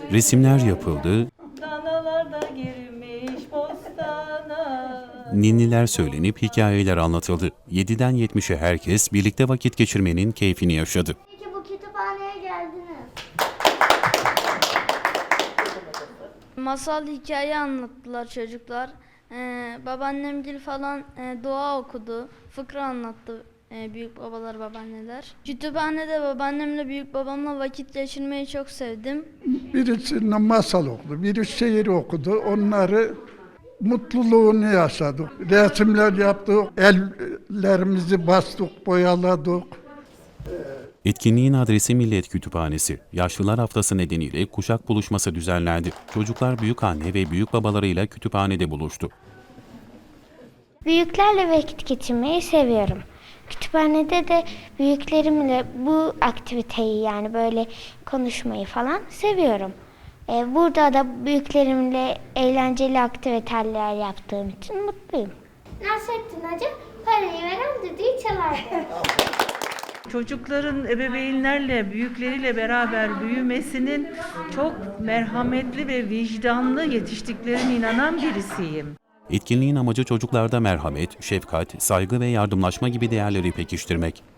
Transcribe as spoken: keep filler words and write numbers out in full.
Resimler yapıldı, Danalar da girmiş bostana. ninniler söylenip hikayeler anlatıldı. yediden yetmişe herkes birlikte vakit geçirmenin keyfini yaşadı. Peki bu kütüphaneye geldiniz. Masal hikaye anlattılar çocuklar. Ee, babaannemgil falan e, dua okudu. Fıkra anlattı e, büyük babalar, babaanneler. Kütüphanede babaannemle büyük babamla vakit geçirmeyi çok sevdim. Birisi masal okudu, biri şiir okudu. Onları mutluluğunu yaşadık. Resimler yaptık, ellerimizi bastık, boyaladık. Etkinliğin adresi Millet Kütüphanesi. Yaşlılar Haftası nedeniyle kuşak buluşması düzenlendi. Çocuklar büyükanne ve büyük babalarıyla kütüphanede buluştu. Büyüklerle vakit geçirmeyi seviyorum. Kütüphanede de büyüklerimle bu aktiviteyi yani böyle konuşmayı falan seviyorum. Ee, burada da büyüklerimle eğlenceli aktiviteler yaptığım için mutluyum. Nasrettin Hoca parayı veren düdüğü çalardı. Çocukların ebeveynlerle, büyükleriyle beraber büyümesinin çok merhametli ve vicdanlı yetiştiklerine inanan birisiyim. Etkinliğin amacı çocuklarda merhamet, şefkat, saygı ve yardımlaşma gibi değerleri pekiştirmek.